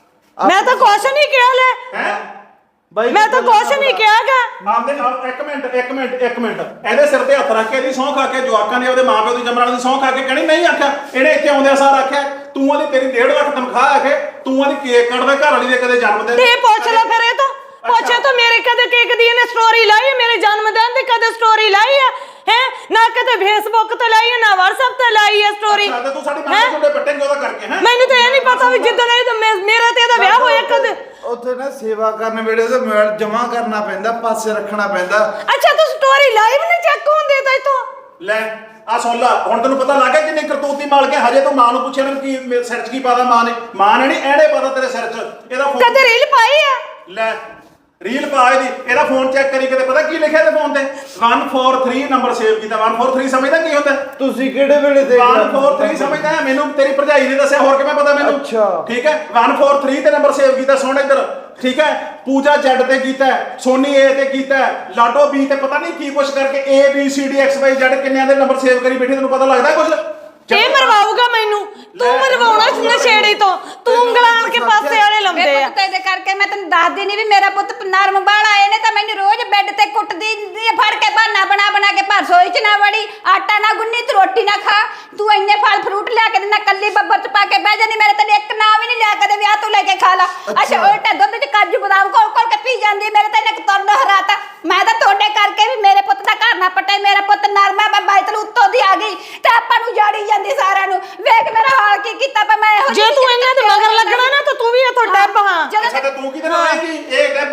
ਮੈਂ ਤਾਂ ਕੁਛ ਨਹੀਂ ਕਿਹਾ ਲੈ ਹੈ ਬਾਈ ਮੈਂ ਤਾਂ ਕੁਛ ਨਹੀਂ ਕਿਹਾਗਾ ਆਮਦੇ ਇੱਕ ਮਿੰਟ ਇੱਕ ਮਿੰਟ ਇੱਕ ਮਿੰਟ ਇਹਦੇ ਸਿਰ ਤੇ ਹੱਥ ਰੱਖ ਕੇ ਇਹਦੀ ਸਹੁੰ ਖਾ ਕੇ ਜਵਾਕਾਂ ਨੇ ਉਹਦੇ ਮਾਪਿਓ ਦੀ ਜੰਮਣ ਵਾਲੀ ਦੀ ਸਹੁੰ ਖਾ ਕੇ ਕਹਿਣੀ ਨਹੀਂ ਆਖਿਆ ਇਹਨੇ ਇੱਥੇ ਆਉਂਦਿਆਂ ਸਾਰ ਆਖਿਆ ਤੂੰ ਉਹਦੀ ਤੇਰੀ ਡੇਢ ਲੱਖ ਤਨਖਾਹ ਆਖੇ ਤੂੰ ਉਹਦੀ ਕੇਕ ਕੱਟਦਾ ਘਰ ਵਾਲੀ ਦੇ ਕਦੇ ਜਨਮ ਦਿਨ ਤੇ ਪੁੱਛ ਲੈ ਫਿਰ ਇਹ ਤਾਂ ਪੁੱਛੇ ਤਾਂ ਮੇਰੇ ਕਦੇ ਕੇਕ ਦੀ ਇਹਨੇ ਸਟੋਰੀ ਲਾਈ ਮੇਰੇ ਜਨਮ ਦਿਨ ਦੀ ਕਦੇ ਸਟੋਰੀ ਲਾਈ ਆ ਹੈ ਨਾ ਕਦੇ ਫੇਸਬੁੱਕ ਤੇ ਲਾਈ ਨਾ WhatsApp ਤੇ ਲਾਈ ਆ ਸਟੋਰੀ ਅੱਛਾ ਤੂੰ ਸਾਡੀ ਮਾਂ ਦੇ ਜੁੰਡੇ ਪੱਟੇਂਗੇ ਉਹਦਾ ਕਰਕੇ ਹੈ ਮੈਨੂੰ ਤਾਂ ਇਹ ਨਹੀਂ ਪਤਾ ਵੀ ਜਿੱਦਣ ਇਹ ਮੇਰਾ ਤੇ ਇਹਦਾ ਵਿਆਹ ਹੋਇਆ ਕਦੇ ਉੱਥੇ ਨਾ ਸੇਵਾ ਕਰਨ ਵੇਲੇ ਤੇ ਮੋਬਾਈਲ ਜਮਾ ਕਰਨਾ ਪੈਂਦਾ ਪਾਸੇ ਰੱਖਣਾ ਪੈਂਦਾ ਅੱਛਾ ਤੂੰ ਸਟੋਰੀ ਲਾਈਵ ਨਹੀਂ ਚੈੱਕ ਹੁੰਦੀ ਤਾਂ ਇਤੋਂ ਲੈ ਆ ਸੁਣ ਲਾ ਹੁਣ ਤੈਨੂੰ ਪਤਾ ਲੱਗ ਗਿਆ ਕਿੰਨੀ ਕਰਤੂਤੀ ਮਾਲ ਕੇ ਹਜੇ ਤੂੰ ਮਾਂ ਨੂੰ ਪੁੱਛਿਆ ਨਾ ਕੀ ਮੇਰੇ ਸਿਰ 'ਚ ਕੀ ਪਾਦਾ ਮਾਂ ਨੇ ਮਾਂ ਨੇ ਨਹੀਂ ਐੜੇ ਪਾਦਾ ਤੇਰੇ ਸਿਰ 'ਚ ਇਹਦਾ ਫੋਨ ਕਦੇ ਰੀਲ ਪਾਈ ਆ ਲੈ ਰੀਲ ਪਾ ਇਹਦੀ ਇਹਦਾ ਫੋਨ ਚੈੱਕ ਕਰੀ ਕਿਤੇ ਪਤਾ ਕੀ ਲਿਖਿਆ ਤੇ ਫੋਨ ਤੇ ਇੱਕ ਚਾਰ ਤਿੰਨ ਨੰਬਰ ਸੇਵ ਕੀਤਾ ਇੱਕ ਚਾਰ ਤਿੰਨ ਸਮਝਦਾ ਕੀ ਹੁੰਦਾ ਤੁਸੀਂ ਕਿਹੜੇ ਵੇਲੇ ਦੇਖ ਇੱਕ ਚਾਰ ਤਿੰਨ ਸਮਝਦਾ ਹੈ ਮੈਨੂੰ ਤੇਰੀ ਭਰਜਾਈ ਨੇ ਦੱਸਿਆ ਹੋਰ ਕਿਵੇਂ ਪਤਾ ਮੈਨੂੰ ਅੱਛਾ। ਠੀਕ ਹੈ ਇੱਕ ਚਾਰ ਤਿੰਨ ਤੇ ਨੰਬਰ ਸੇਵ ਕੀਤਾ ਸੁਣ ਇੱਧਰ ਠੀਕ ਹੈ ਪੂਜਾ ਜੈਡ ਤੇ ਕੀਤਾ ਸੋਨੀ ਏ ਤੇ ਕੀਤਾ ਲਾਡੋ ਬੀ ਤੇ ਪਤਾ ਨਹੀਂ ਕੀ ਕੁਛ ਕਰਕੇ A B C D X Y Z ਕਿੰਨਿਆਂ ਦੇ ਨੰਬਰ ਸੇਵ ਕਰੀ ਬੈਠੀ ਤੈਨੂੰ ਪਤਾ ਲੱਗਦਾ ਕੁਛ ਇਹ ਮਰਵਾਊਗਾ ਮੈਨੂੰ ਤੂੰ ਮਰਵਾਉਣਾ ਨਸ਼ੇੜੀ ਤੋਂ ਤੂੰ ਉਂਗਲਾਂ ਆਣ ਕੇ ਪਾਸੇ ਵਾਲੇ ਲਾਉਂਦੇ ਮੇਰੇ ਆ ਪੁੱਤ ਇਹਦੇ ਕਰਕੇ ਮੈਂ ਤੈਨੂੰ ਦੱਸਦੀ ਨਹੀਂ ਵੀ ਮੇਰਾ ਪੁੱਤ ਨਰਮ ਬਾਲ ਆਏ ਨੇ ਤਾਂ ਮੈਨੂੰ ਰੋਜ਼ ਬੈੱਡ ਤੇ ਕੁੱਟਦੀ ਹੁੰਦੀ ਆ, ਫੜ ਕੇ ਬਹਾਨਾ ਬਣਾ ਬਣਾ ਕੇ ਭਰ ਸੋਈ ਚ ਨਾ ਵੜੀ ਆਟਾ ਨਾ ਗੁੰਨੀ ਤੂੰ ਰੋਟੀ ਨਾ ਖਾ ਤੂੰ ਇੰਨੇ ਫਲ ਫਰੂਟ ਲਿਆ ਕੇ ਦਿੰਦਾ ਕੱਲੀ ਬੱਬਰ ਚ ਪਾ ਕੇ ਬਹਿ ਜਾਂਦੀ ਮੇਰੇ ਤੈਨੂੰ ਇੱਕ ਨਾ ਵੀ ਨਹੀਂ ਲਿਆ ਕਦੇ ਵਿਆਹ ਤੋਂ ਲੈ ਕੇ ਖਾ ਲਾ ਅੱਛਾ ਉਲਟਾ ਦੁੱਧ ਚ ਕਾਜੂ ਬਦਾਮ ਕੋਲ ਕੋਲ ਕੇ ਪੀ ਜਾਂਦੀ ਮੇਰੇ ਤਾਂ ਇਹਨੇ ਤੁਰਨ ਹਰਾਤਾ ਮੈਂ ਤਾਂ ਤੁਹਾਡੇ ਕਰਕੇ ਵੀ ਮੇਰੇ ਪੁੱਤ ਦਾ ਘਰ ਨਾ ਪਟੇ ਮੇਰਾ ਪੁੱਤ ਨਰਮਾ ਮੈਂ ਬਾਈਤਲ ਉੱਤੋਂ ਦੀ ਆ ਗਈ ਤੇ ਆਪਾਂ ਨੂੰ ਜਾੜੀ ਜਾਂਦੀ ਸਾਰਿਆਂ ਨੂੰ ਵੇਖ ਮੇਰਾ ਹਾਲ ਕੀ ਕੀਤਾ ਪਾ ਮੈਂ ਇਹੋ ਜੇ ਤੂੰ ਇਹਨਾਂ ਦੇ ਮਗਰ ਲੱਗਣਾ ਨਾ ਤਾਂ ਤੂੰ ਵੀ ਇੱਥੋਂ ਡੱਬ ਹਾਂ ਅੱਛਾ ਤੇ ਤੂੰ ਕਿਹਦੇ ਨਾਲ ਆਏਗੀ ਇਹ ਡੱਬ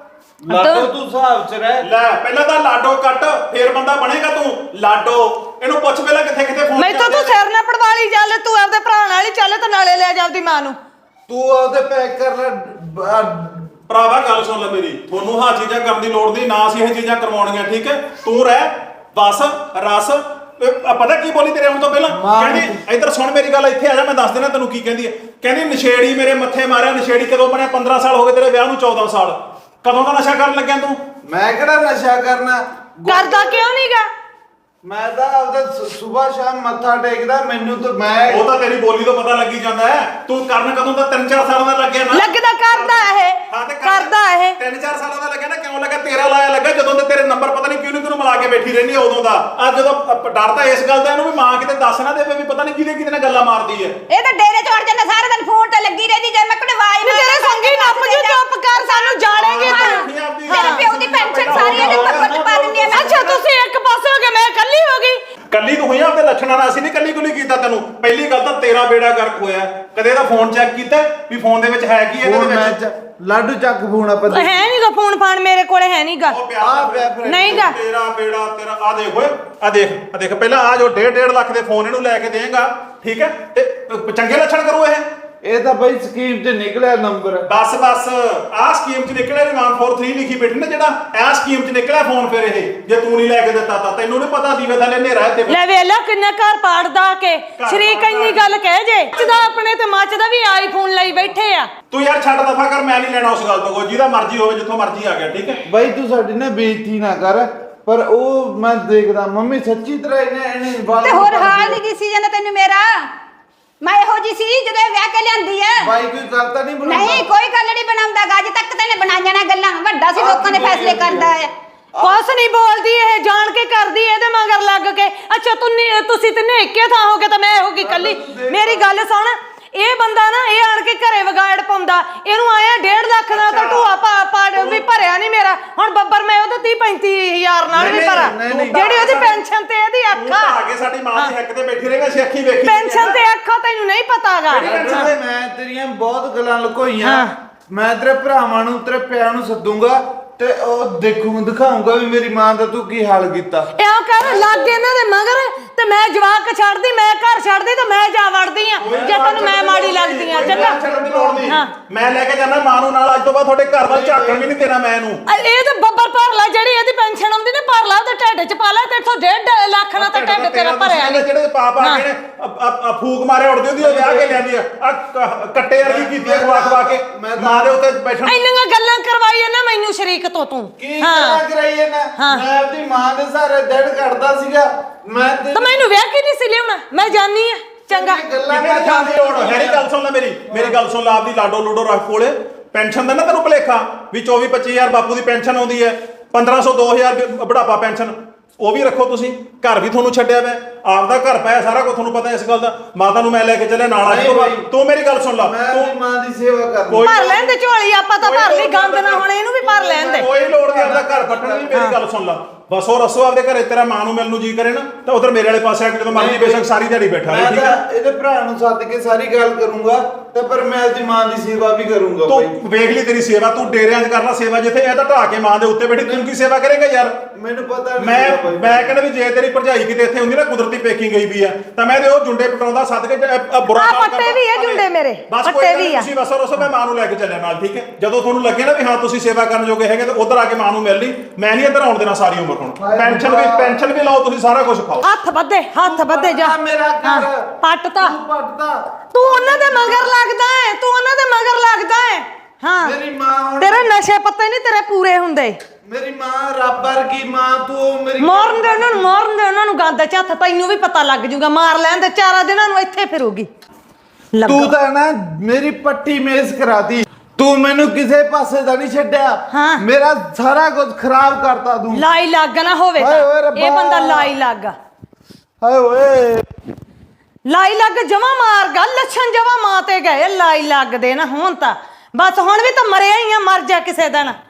ਲਾਡੋ ਤੂੰ ਹਿਸਾਬ ਚ ਰਹਿ ਲੈ ਪਹਿਲਾਂ ਤਾਂ ਲਾਡੋ ਕੱਟ ਫੇਰ ਬੰਦਾ ਬਣੇਗਾ ਤੂੰ ਲਾਡੋ ਇਹਨੂੰ ਪੁੱਛ ਪਹਿਲਾਂ ਕਿੱਥੇ ਕਿੱਥੇ ਫੋਨ ਮੈਂ ਤਾਂ ਤੂੰ ਸਿਰ ਨਾ ਪੜਵਾਲੀ ਚੱਲ ਤੂੰ ਆਪਦੇ ਭਰਾ ਨਾਲ ਹੀ ਚੱਲ ਤੇ ਨਾਲੇ ਲੈ ਜਾ ਆਪਦੀ ਮਾਂ ਨੂੰ ਤੂੰ ਉਹਦੇ ਪੈਕ ਕਰ ਲੈ ਭਰਾਵਾ ਗੱਲ ਸੁਣ ਲੈ ਮੇਰੀ ਤੁਹਾਨੂੰ ਹਾਂ ਚੀਜ਼ਾਂ ਕਰਨ ਦੀ ਲੋੜ ਨਹੀਂ ਨਾ ਅਸੀਂ ਇਹ ਚੀਜ਼ਾਂ ਕਰਵਾਉਣੀਆਂ ਠੀਕ ਹੈ ਤੂੰ ਰਹਿ ਬਸ ਰਸ ਇਹ ਪਤਾ ਕੀ ਬੋਲੀ ਤੇਰੇ ਆਉਣ ਤੋਂ ਪਹਿਲਾਂ ਮਾਂ ਕਹਿੰਦੀ ਇੱਧਰ ਸੁਣ ਮੇਰੀ ਗੱਲ, ਇੱਥੇ ਆ ਜਾ ਮੈਂ ਦੱਸ ਦੇਣਾ ਤੈਨੂੰ ਕੀ ਕਹਿੰਦੀ ਹੈ। ਕਹਿੰਦੀ ਨਸ਼ੇੜੀ ਮੇਰੇ ਮੱਥੇ ਮਾਰਿਆ। ਨਸ਼ੇੜੀ ਕਦੋਂ ਬਣਿਆ? ਪੰਦਰਾਂ ਸਾਲ ਹੋ ਗਏ ਤੇਰੇ ਵਿਆਹ ਨੂੰ, ਚੌਦਾਂ ਸਾਲ। ਕਦੋਂ ਦਾ ਨਸ਼ਾ ਕਰਨ ਲੱਗਿਆ ਤੂੰ? ਮੈਂ ਕਿਹੜਾ ਨਸ਼ਾ ਕਰਨਾ? ਕਰਦਾ ਕਿਉਂ ਨਹੀਂਗਾ? ਮੈਂ ਤਾਂ ਆਪਦਾ ਸਵੇਰ ਸ਼ਾਮ ਮੱਥਾ ਟੇਕਦਾ। ਮੈਨੂੰ ਤਾਂ ਮੈਂ ਉਹ ਤਾਂ ਤੇਰੀ ਬੋਲੀ ਤੋਂ ਪਤਾ ਲੱਗੀ ਜਾਂਦਾ ਹੈ। ਤੂੰ ਕਰਨ ਕਦੋਂ ਦਾ? ਤਿੰਨ ਚਾਰ ਸਾਲਾਂ ਦਾ ਲੱਗਿਆ ਨਾ। ਲੱਗਦਾ ਕਰਦਾ ਇਹ ਹਾਂ ਤੇ ਕਰ- ਕਰਦਾ ਇਹ ਤਿੰਨ ਚਾਰ ਸਾਲਾਂ ਦਾ ਲੱਗਿਆ ਨਾ। ਕਿਉਂ ਲੱਗਾ? ਤੇਰਾ ਲਾਇਆ ਲੱਗਾ ਜਦੋਂ ਤੇ ਤੇਰੇ ਨੰਬਰ ਪਤਾ ਨਹੀਂ ਕਿਉਂ ਨਹੀਂ ਤੈਨੂੰ ਮਿਲਾ ਕੇ ਬੈਠੀ ਰਹਿੰਦੀ ਆ ਉਦੋਂ ਦਾ। ਅੱਜ ਜਦੋਂ ਅ- ਡਰ ਤਾਂ ਇਸ ਗੱਲ ਦਾ ਇਹਨੂੰ ਵੀ ਮਾਂ ਕਿਤੇ ਦੱਸ ਨਾ ਦੇਵੇ ਵੀ ਪਤਾ ਨਹੀਂ ਕਿਹਦੇ ਕਿਹਦੇ ਨਾਲ ਗੱਲਾਂ ਮਾਰਦੀ ਹੈ। ਇਹ ਤਾਂ ਡੇਰੇ ਚੜ ਜਾਂਦਾ ਸਾਰਾ ਦਿਨ ਫੋਨ ਤੇ ਲੱਗੀ ਰਹਿੰਦੀ। ਜੇ ਮੈਂ ਕੋਲ ਵਾਈ ਵੀ ਤੇਰੇ ਸੰਗੀ ਨੱਪ ਜੂ, ਚੁੱਪ ਕਰ, ਸਾਨੂੰ ਜਾਣੇਗੇ ਤੂੰ। ਤੇਰੇ ਪਿਓ ਦੀ ਪੈਨਸ਼ਨ ਸਾਰੀ ਇਹਦੇ ਟੱਬਰ ਚ ਪਾ ਦਿੰਦੀ ਆ ਮੈਂ। ਅੱਛਾ ਤੁਸੀਂ ਇੱਕ ਪਾਸੇ ਹੋ ਗਏ, ਮੈਂ ਇਕੱਲੀ ਹੋ ਗਈ। ਕੱਲੀ ਤੂੰ ਹੋਈ ਆ ਆਪਦੇ ਲੱਛਣਾਂ ਨਾਲ। ਅਸੀਂ ਨਹੀਂ ਕੱਲੀ ਕੁਲੀ ਕੀਤਾ ਤੈਨੂੰ। ਪਹਿਲੀ ਗੱਲ ਤਾਂ ਤੇਰਾ ਬੇੜਾ ਗਰਕ ਹੋਇਆ। ਕਦੇ ਇਹਦਾ ਫੋਨ ਚੈੱਕ ਕੀਤਾ ਵੀ ਫੋਨ ਦੇ ਵਿੱਚ ਹੈ ਕੀ ਇਹਦੇ ਫੋਨ ਮੈਂ ਵਿੱਚ? ਚ- ਲਾਡੂ ਚੱਕ ਫੋਨ ਆਪਾਂ ਹੈ ਨਹੀਂਗਾ ਫੋਨ ਫਾਨ, ਮੇਰੇ ਕੋਲੇ ਹੈ ਨਹੀਂਗਾ। ਉਹ ਪਿਆ ਆ ਪਿਆ ਫਿਰ। ਨਹੀਂਗਾ। ਤੇਰਾ ਬੇੜਾ ਤੇਰਾ। ਆ ਦੇਖ ਓਏ, ਆ ਦੇਖ, ਆ ਦੇਖ ਪਹਿਲਾਂ ਆ ਜੋ ਡੇਢ ਡੇਢ ਲੱਖ ਦੇ ਫੋਨ ਇਹਨੂੰ ਲੈ ਕੇ ਦੇਂਗਾ, ਠੀਕ ਹੈ, ਤੇ ਪ- ਚੰਗੇ ਲੱਛਣ ਕਰੂ ਇਹ। ਇਹ ਤਾਂ ਬਈ ਸਕੀਮ 'ਚ ਨਿਕਲਿਆ ਨੰਬਰ। ਬਸ ਬਸ ਆਹ ਸਕੀਮ 'ਚ ਨਿਕਲਿਆ ਵੀ ਵਨ ਫੋਰ ਥ੍ਰੀ ਲਿਖੀ ਬੈਠੀ ਨਾ, ਜਿਹੜਾ ਇਹ ਸਕੀਮ 'ਚ ਨਿਕਲਿਆ ਫੋਨ। ਫਿਰ ਇਹ ਜੇ ਤੂੰ ਨਹੀਂ ਲੈ ਕੇ ਦਿੱਤਾ ਤਾਂ ਤੈਨੂੰ ਨਹੀਂ ਪਤਾ ਦੀਵੇ ਥੱਲੇ ਹਨੇਰਾ ਹੈ ਤੇ ਲੈ ਵੇਲਾ ਕਿੰਨਾ ਘਰ ਪਾੜਦਾ ਕੇ ਸ਼ਰੀਕ ਇੰਨੀ ਗੱਲ ਕਹਿ ਜੇ। ਜਿਹਦਾ ਆਪਣੇ ਤੇ ਮੱਚਦਾ ਵੀ ਆਈਫੋਨ ਲਈ ਬੈਠੇ ਆ। ਤੂੰ ਯਾਰ ਛੱਡ ਦਫਾ ਕਰ। ਮੈਂ ਨਹੀਂ ਲੈਣਾ ਉਸ ਗੱਲ ਤੋਂ ਕੋਈ। ਜਿਹਦਾ ਮਰਜ਼ੀ ਹੋਵੇ, ਜਿੱਥੋਂ ਮਰਜ਼ੀ ਆ ਗਿਆ, ਠੀਕ ਹੈ। ਬਈ ਤੂੰ ਸਾਡੀ ਨਾ ਬੇਇੱਜ਼ਤੀ ਨਾ ਕਰ। ਪਰ ਉਹ ਮੈਂ ਦੇਖਦਾ ਮੰਮੀ ਸੱਚੀ ਤਰ੍ਹਾਂ ਇਹਨੇ ਇਹਨੇ ਵਾਲ ਤੇ ਹੋਰ ਹਾਲ ਨਹੀਂ ਦਿਸੀ ਜਾਂਦਾ ਤੈਨੂੰ ਮੇਰਾ। ਮੈਂ ਇਹੋ ਜੀ ਸੀ ਜਦੋਂ ਇਹ ਵਿਆਹ ਕੇ ਲਿਆਂਦੀ ਐ। ਬਾਈ ਕੋਈ ਗੱਲ ਤਾਂ ਨਹੀਂ ਬਣਾਉਂਦਾ? ਨਹੀਂ ਕੋਈ ਗੱਲ ਨਹੀਂ ਬਣਾਉਂਦਾ ਗਾ। ਅੱਜ ਤੱਕ ਤੈਨੇ ਬਣਾਈਆਂ ਨਾ ਗੱਲਾਂ। ਵੱਡਾ ਸੀ, ਲੋਕਾਂ ਦੇ ਫੈਸਲੇ ਕਰਦਾ ਹੈ। ਕੁਛ ਨਹੀਂ ਬੋਲਦੀ ਇਹ, ਜਾਣ ਕੇ ਕਰਦੀ ਇਹਦੇ ਮਗਰ ਲੱਗ ਕੇ। ਅੱਛਾ ਤੂੰ ਨੀ- ਤੁਸੀਂ ਤੇ ਨੇਕੇ ਥਾਂ ਹੋ ਕੇ ਤਾਂ ਮੈਂ ਹੋ ਗਈ ਕੱਲੀ। ਮੇਰੀ ਗੱਲ ਸੁਣ, ਇਹ ਬੰਦਾ ਨਾ ਇਹ ਆਣ ਕੇ ਘਰੇ ਵਿਗਾੜ ਪਾਉਂਦਾ। ਇਹਨੂੰ ਆਇਆ ਡੇਢ ਲੱਖ ਦਾ ਤਾਂ ਢੂਆ ਪਾ ਪਾ ਵੀ ਭਰਿਆ ਨਹੀਂ ਮੇਰਾ। ਹੁਣ ਬੱਬਰ ਮੈਂ ਉਹਦੇ ਤੀਹ ਪੈਂਤੀ ਹਜ਼ਾਰ ਨਾਲ ਵੀ ਨਹੀਂ, ਭਰਾ, ਨਹੀਂ, ਨਹੀਂ। ਜਿਹੜੀ ਉਹਦੀ ਪੈਨਸ਼ਨ ਤੇ ਇਹਦੀ ਤੂੰ ਅੱਖਾਂ ਤਾਂ ਆ ਕੇ ਸਾਡੀ ਮਾਂ ਦੀ ਹੱਕ ਤੇ ਬੈਠੀ ਰਹੇਗਾ। ਅਸੀਂ ਅੱਖੀ ਵੇਖੀ ਪੈਨਸ਼ਨ ਤੇ ਅੱਖਾਂ ਤੈਨੂੰ ਨਹੀਂ ਪਤਾਗਾ। ਲਾਡੂ, ਮੈਂ ਤੇਰੀਆਂ ਬਹੁਤ ਗੱਲਾਂ ਲੁਕੋਈਆਂ। ਹਾਂ। ਮੈਂ ਤੇਰੇ ਭਰਾਵਾਂ ਨੂੰ ਤੇਰੇ ਪਿਆਂ ਨੂੰ ਸੱਦੂਗਾ ਤੇ ਉਹ ਦੇਖੂ ਦਿਖਾਉਂਗਾ ਵੀ ਮੇਰੀ ਮਾਂ ਦਾ ਤੂੰ ਕੀ ਹਾਲ ਕੀਤਾ। ਇਉਂ ਕਰ ਲੱਗ ਇਹਨਾਂ ਦੇ ਮਗਰ ਤੇ ਮੈਂ ਜਵਾਕ ਛੱਡਦੀ, ਮੈਂ ਘਰ ਛੱਡਦੀ ਤੇ ਮੈਂ ਜਾ ਵੜਦੀ ਆ ਜੇ ਤੈਨੂੰ ਮੈਂ ਮਾੜੀ ਲੱਗਦੀ ਆ। ਚੰਗਾ ਛੱਡਣ ਦੀ ਲੋੜ ਨਹੀਂ। ਹਾਂ। ਮੈਂ ਲੈ ਕੇ ਜਾਣਾ ਮਾਂ ਨੂੰ ਨਾਲ। ਅੱਜ ਤੋਂ ਬਾਅਦ ਤੁਹਾਡੇ ਘਰ ਵੱਲ ਝਾਕਣ ਵੀ ਨਹੀਂ ਦੇਣਾ ਮੈਂ ਇਹਨੂੰ। ਅ- ਇਹ ਤਾਂ ਬੱਬਰ ਭਰ ਲੈ, ਜਿਹੜੀ ਇਹਦੀ ਪੈਨਸ਼ਨ ਆਉਂਦੀ ਨਾ ਭਰ ਲਾ ਤੇ ਢਿੱਡ ਚ ਪਾ ਲੈ। ਤੇ ਇੱਥੋਂ ਡੇਢ ਲੱਖ ਨਾਲ ਤਾਂ ਢਿੱਡ ਤੇਰਾ ਭਰਿਆ ਨਹੀਂ। ਜਿਹੜੇ ਪਾਪ ਆ ਗਏ ਨੇ ਅ- ਅ- ਅ ਫੂਕ ਮਾਰੇ ਉੜਦੀ ਉਹਦੀ ਉਹ ਵਿਆਹ ਕੇ ਲਿਆਂਦੀ ਆ। ਆ ਕ- ਕੱਟੇ ਵਰਗੀ ਕੀਤੀ ਆ ਖਵਾ ਖਵਾ ਕੇ। ਮੈਂ ਤਾਂ- ਮਾਂ ਦੇ ਉੱਤੇ ਬੈਠਣ। ਇੰਨੀਆਂ ਗੱਲਾਂ ਕਰਵਾਈਆਂ ਨਾ ਮੈਨੂੰ ਸ਼ਰੀਕ ਤੋਂ ਤੂੰ। ਕੀ ਹਾਂ ਕਰਾ ਕਰਾਈਏ ਨਾ। ਹਾਂ। ਮੈਂ ਆਪਣੀ ਮਾਂ ਦੇ ਸਾਰੇ ਦਿਨ ਕੱਢਦਾ ਸੀਗਾ। ਮੈਂ ਤੇ ਤਾਂ ਮੈਨੂੰ ਵਿਆਹ ਕੀ ਨਹੀਂ ਸੀ ਲਿਆਉਣਾ। ਮੈਂ ਜਾਣੀ ਆ। ਚੰਗਾ ਗੱਲਾਂ ਮੇਰੇ ਥਾਂ ਦੀ ਲੋੜ ਹੈ ਨਹੀਂ। ਗੱਲ ਸੁਣ ਲੈ ਮੇਰੀ ਮੇਰੀ ਗੱਲ ਸੁਣ ਲੈ। ਆਪਦੀ ਲਾਡੋ ਲੂਡੋ ਰੱਖ ਕੋਲੇ। ਪੈਨਸ਼ਨ ਦਾ ਨਾ ਤੈਨੂੰ ਭੁਲੇਖਾ ਵੀ ਚੌਵੀ ਪੱਚੀ ਹਜ਼ਾਰ ਬਾਪੂ ਦੀ ਪੈਨਸ਼ਨ ਆਉਂਦੀ ਹੈ। ਪੰਦਰਾਂ ਸੌ ਦੋ ਹਜ਼ਾਰ ਬੁਢਾਪਾ ਪੈਨਸ਼ਨ ਉਹ ਵੀ ਰੱਖੋ ਤੁਸੀਂ। ਘਰ ਵੀ ਤੁਹਾਨੂੰ ਛੱਡਿਆ ਵਾ, ਆਪਦਾ ਘਰ ਪਾਇਆ, ਸਾਰਾ ਕੁਝ ਤੁਹਾਨੂੰ ਪਤਾ ਇਸ ਗੱਲ ਦਾ। ਮਾਤਾ ਨੂੰ ਮੈਂ ਲੈ ਕੇ ਚੱਲਿਆ ਨਾਲ। ਅੱਜ ਤੋਂ ਬਾਅਦ ਤੂੰ ਮੇਰੀ ਗੱਲ ਸੁਣ ਲਾ। ਮੈਂ ਤੂੰ ਆਪਣੀ ਮਾਂ ਦੀ ਸੇਵਾ ਕਰਨੀ। ਕੋਈ- ਭਰ ਲੈਣ ਦੇ ਝੋਲੀ, ਆਪਾਂ ਤਾਂ ਭਰ ਲਈ। ਗੰਦ ਨਾ ਹੁਣ ਇਹਨੂੰ ਵੀ ਭਰ ਲੈਣ ਦੇ। ਕੋਈ ਲੋੜ ਨਹੀਂ ਆਪਦਾ ਘਰ ਪੱਟਣ ਦੀ। ਮੇਰੀ ਗੱਲ ਸੁਣ ਲਾ ਬਸ। ਉਹ ਰਸੋ ਆਪਦੇ ਘਰੇ ਤੇਰਾ ਮਾਂ ਨੂੰ ਮਿਲਣ ਨੂੰ ਜੀ ਕਰੇ ਨਾ ਤਾਂ ਉਧਰ ਮੇਰੇ ਵਾਲੇ ਪਾਸੇ ਆ ਕੇ ਜਦੋਂ ਮਰਜ਼ੀ ਬੇਸ਼ੱਕ ਸਾਰੀ ਦਿਹਾੜੀ ਬੈਠਾ ਰਹੇ, ਮੈਂ ਠੀਕ ਤਾਂ ਹੈ। ਇਹਦੇ ਭਰਾ ਨੂੰ ਸੱਦ ਕੇ ਸਾਰੀ ਗੱਲ ਕਰੂੰਗਾ ਤੇ ਪਰ ਮੈਂ ਆਪਣੀ ਮਾਂ ਦੀ ਸੇਵਾ ਵੀ ਕਰੂੰਗਾ ਬਾਈ। ਤੂੰ ਵੇਖ ਲਈ ਤੇਰੀ ਸੇਵਾ। ਤੂੰ ਡੇਰਿਆਂ 'ਚ ਕਰਨਾ ਸੇਵਾ, ਜਿੱਥੇ ਇਹ ਤਾਂ ਢਾ ਕੇ ਮਾਂ ਦੇ ਉੱਤੇ ਬੈਠੀ ਤੂੰ ਕੀ ਸੇਵਾ ਕਰੇਗਾ ਯਾਰ। ਮੈਨੂੰ ਪਤਾ ਨਹੀਂ ਮੈਂ ਸੀਗਾ ਬਾਈ। ਮੈਂ ਕਹਿੰਦਾ ਵੀ ਜੇ ਤੇਰੀ ਭਰਜਾਈ ਕਿਤੇ ਇੱਥੇ ਹੁੰਦੀ ਨਾ ਕੁਦਰਤੀ ਪੇਕੀ ਗਈ ਵੀ ਆ ਤਾਂ ਮੈਂ ਤੇ ਉਹ ਜੁੰਡੇ ਪਟਾਉਂਦਾ ਸੱਦ ਕੇ ਜ- ਅ- ਅ ਬੁਰਾ ਆਹ ਕੰਮ ਪੱਟੇ ਕਰਦਾ। ਵੀ ਆ ਜੁੰਡੇ ਮੇਰੇ, ਬਸ ਪੱਟੇ ਕੋਈ ਗੱਲ ਵੀ ਨਹੀਂ, ਆ। ਤੁਸੀਂ ਬਸ ਰਸੋ ਮੈਂ ਮਾਂ ਨੂੰ ਲੈ ਕੇ ਚੱਲਿਆ ਨਾਲ, ਠੀਕ ਹੈ। ਜਦੋਂ ਤੁਹਾਨੂੰ ਲੱਗੇ ਨਾ ਵੀ ਹਾਂ ਤੁਸੀਂ ਸੇਵਾ ਕਰਨ ਜੋਗੇ ਹੈਗੇ ਤਾਂ ਉਧਰ ਆ ਕੇ ਮਾਂ ਨੂੰ ਮਿਲ ਲਈ। ਮੈਂ ਨਹੀਂ ਇੱਧਰ ਆਉਣ ਦੇਣਾ ਸਾਰੀ ਉਮਰ। ਹੁਣ ਪੈਨਸ਼ਨ ਵੀ ਪੈਨਸ਼ਨ ਵੀ ਲਾਓ ਤੁਸੀਂ, ਸਾਰਾ ਕੁਝ ਖਾਓ। ਹੱਥ ਵੱਧੇ, ਹੱਥ ਵੱਧੇ ਜਾ। ਪੱਟਦਾ ਮੇਰਾ ਹਾਂ, ਘਰ। ਪੱਟਤਾ। ਤੂੰ ਪੱਟਦਾ। ਤੂੰ ਉਹਨਾਂ ਦੇ ਮਗਰ ਲੱਗਦਾ ਹੈ, ਤੂੰ ਉਹਨਾਂ ਦੇ ਮਗਰ ਲੱਗਦਾ ਹੈ। ਹਾਂ ਮੇਰੀ ਮਾਂ ਹੁਣ- ਤੇਰੇ ਨਸ਼ੇ ਪੱਤੇ ਨਹੀਂ ਤੇਰੇ ਪੂਰੇ ਹੁੰਦੇ। ਮੇਰੀ ਮਾਂ ਰੱਬ ਵਰਗੀ ਮਾਂ। ਤੂੰ ਮੇਰੀ ਮਾਰਨ ਦੇ ਉਹਨਾਂ ਨੂੰ, ਮਾਰਨ ਦੇ ਉਹਨਾਂ ਨੂੰ ਗੰਦ ਚ ਹੱਥ। ਤੈਨੂੰ ਵੀ ਪਤਾ ਲੱਗ ਜੂਗਾ। ਮਾਰ ਲੈਣ ਦੇ, ਚਾਰਾਂ ਦਿਨਾਂ ਨੂੰ ਇੱਥੇ ਫਿਰੂਗੀ। ਤੂੰ ਤਾਂ ਨਾ ਮੇਰੀ ਪੱਟੀ ਮੇਜ਼ ਕਰਾਤੀ। ਤੂੰ ਮੈਨੂੰ ਕਿਸੇ ਪਾਸੇ ਦਾ ਨਹੀਂ ਛੱਡਿਆ। ਹਾਂ। ਮੇਰਾ ਸਾਰਾ ਕੁਝ ਖਰਾਬ ਕਰਤਾ ਤੂੰ। ਲਾਈ ਲੱਗ ਨਾ ਹੋਵੇ ਹਾਏ ਓਏ ਤਾਂ ਰੱਬਾ। ਇਹ ਬੰਦਾ ਲਾਈ ਲੱਗ ਹਾਏ ਓਏ। ਲਾਈ ਲੱਗ ਜਮਾ ਮਾਰ ਗਾ। ਲੱਛਣ ਜਮਾ ਮਾਂ ਤੇ ਗਏ। ਲਾਈ ਲੱਗ ਦੇ ਨਾ ਹੁਣ ਤਾਂ ਬਸ। ਹੁਣ ਵੀ ਤਾਂ ਮਰਿਆ ਹੀ ਆ, ਮਰ ਜਾ ਕਿਸੇ ਦਿਨ।